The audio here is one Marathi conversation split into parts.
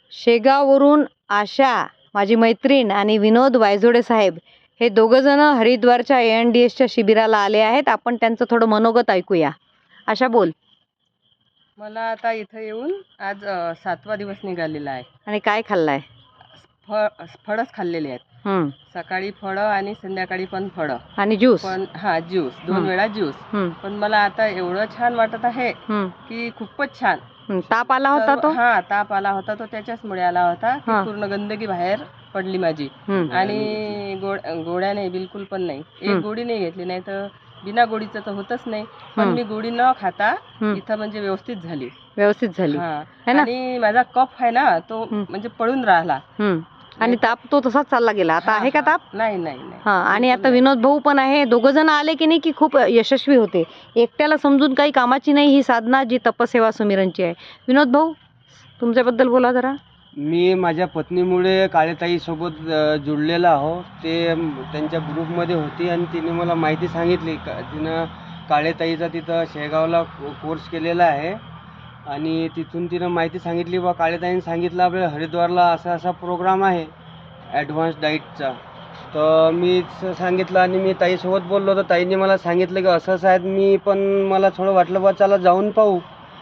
शेगाववरून आशा माझी मैत्रीण आणि विनोद वायझोडे साहेब हे दोघंजण हरिद्वारच्या ANDSच्या शिबिराला आले आहेत. आपण त्यांचं थोडं मनोगत ऐकूया. आशा बोल. मला आता इथं येऊन आज 7वा दिवस निघालेला आहे. आणि काय खाल्लाय? फळच खाल्लेले आहेत. सकाळी फळं आणि संध्याकाळी पण फळं आणि ज्यूस. पण ज्यूस 2 वेळा ज्यूस. पण मला आता एवढं छान वाटत आहे की खूपच छान. ताप आला होता तो? ताप आला होता तो त्याच्याचमुळे आला होता की पूर्ण गंदगी बाहेर पडली माझी. आणि गोळ्या नाही, बिलकुल पण नाही. एक गोळी नाही घेतली, नाही तर बिना गोळीचं तर होतच नाही. पण मी गोळी न खाता इथं म्हणजे व्यवस्थित झाली. आणि माझा कफ आहे ना तो म्हणजे पळून राहिला आणि ताप तो तसाच चालला गेला. आता आहे का ताप? नाही. आणि आता विनोद भाऊ पण आहे. दोघं जण आले की नाही की खूप यशस्वी होते. एकट्याला समजून काही कामाची नाही ही साधना, जी तपसेवा सुमिरनची आहे. विनोद भाऊ, तुमच्याबद्दल बोला जरा. मी माझ्या पत्नीमुळे काळेताई सोबत जुळलेला आहो. ते त्यांच्या ग्रुपमध्ये होती आणि तिने मला माहिती सांगितली. तिनं काळेताईचा तिथं शेगावला कोर्स केलेला आहे आणि तिथून तिनं माहिती सांगितली. बा काळेताईने सांगितलं आपल्याला हरिद्वारला असा प्रोग्राम आहे ॲडव्हान्स डाईटचा. तर मी सांगितलं आणि मी ताईसोबत बोललो. तर ताईने मला सांगितलं की असं आहेत. मी पण मला थोडं वाटलं बा चला जाऊन पाहू.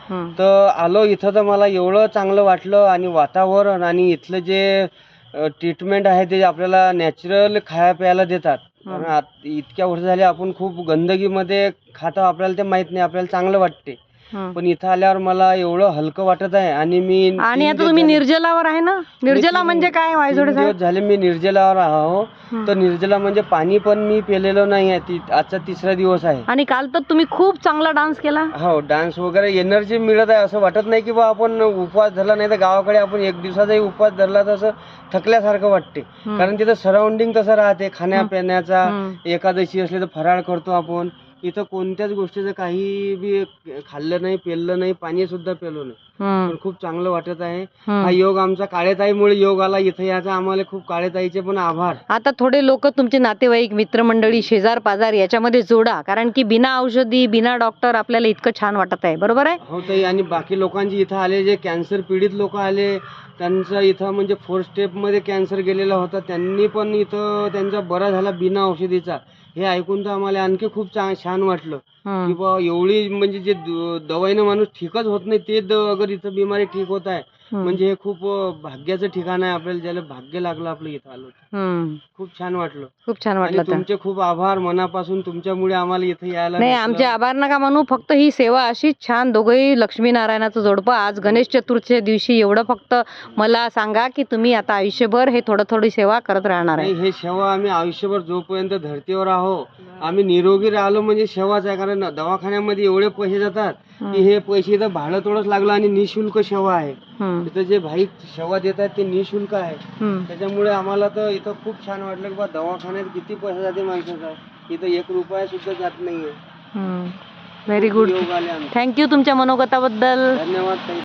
तर आलो इथं. तर मला एवढं चांगलं वाटलं आणि वातावरण आणि इथलं जे ट्रीटमेंट आहे ते आपल्याला नॅचरल खाया प्यायला देतात. कारण इतक्या वर्ष झाले आपण खूप गंदगीमध्ये खातो, आपल्याला ते माहित नाही, आपल्याला चांगलं वाटते. पण इथं आल्यावर मला एवढं हलकं वाटत आहे. आणि आता तुम्ही निर्जलावर आहे ना? निर्जला म्हणजे काय वायझोडे साहेब? झाले मी निर्जलावर आहो. तर निर्जला म्हणजे पाणी पण मी पिलेलं नाही आहे. आजचा 3रा दिवस आहे. आणि काल तर तुम्ही खूप चांगला डान्स केला. हो, डान्स वगैरे एनर्जी मिळत आहे. असं वाटत नाही की बा आपण उपवास धरला. नाही तर गावाकडे आपण 1 दिवसाचाही उपवास धरला तर असं थकल्यासारखं वाटते. कारण तिथं सराउंडिंग तसं राहते. खाण्यापिण्याचा एकादशी असले तर फराळ करतो आपण. इथं कोणत्याच गोष्टीचं काही बी खाल्लं नाही, पेललं नाही, पाणी सुद्धा पेलो नाही. पण खूप चांगलं वाटत आहे. हा योग आमचा काळेताईमुळे योग आला. इथं याचा आम्हाला खूप काळेताईचे पण आभार. आता थोडे लोक तुमचे नातेवाईक, मित्रमंडळी, शेजार पाजार याच्यामध्ये जोडा, कारण की बिना औषधी, बिना डॉक्टर आपल्याला इतकं छान वाटत आहे. बरोबर आहे? हो ताई. आणि बाकी लोकांची इथं आले, जे कॅन्सर पीडित लोक आले, त्यांचं इथं म्हणजे 4 स्टेपमध्ये कॅन्सर गेलेला होता, त्यांनी पण इथं त्यांचा बरा झाला बिना औषधीचा. हे ऐकून तर आम्हाला आणखी खूप छान वाटलं की बा एवढी म्हणजे जे दवाईनं माणूस ठीकच होत नाही ते अगर इथं बिमारी ठीक होत आहे म्हणजे हे खूप भाग्याचं ठिकाण आहे. आपल्याला ज्याला भाग्य लागलं आपलं इथं आलो. खूप छान वाटलं. आणि तुमचे खूप आभार मनापासून. तुमच्यामुळे आम्हाला इथं यायला नाही, आमचे आभार नका म्हणू. फक्त ही सेवा अशीच छान, दोघंही लक्ष्मीनारायणाचं जोडपं. आज गणेश चतुर्थीच्या दिवशी एवढं फक्त मला सांगा की तुम्ही आता आयुष्यभर हे थोडी सेवा करत राहणार आहे. हे सेवा आम्ही आयुष्यभर जोपर्यंत धरतीवर आहो, आम्ही निरोगी राहिलो म्हणजे सेवाच आहे. कारण दवाखान्यामध्ये एवढे पैसे जातात की हे पैसे इथं भाडं थोडंच लागलं आणि निशुल्क सेवा आहे. इथं जे भाई सेवा देत आहेत ते निशुल्क आहे. त्याच्यामुळे आम्हाला तर इथं खूप छान वाटलं की बा दवाखान्यात किती पैसा जाते माणसाचा, इथं 1 रुपया सुद्धा जात नाहीये. Very good. थँक्यू तुमच्या मनोगताबद्दल. धन्यवाद.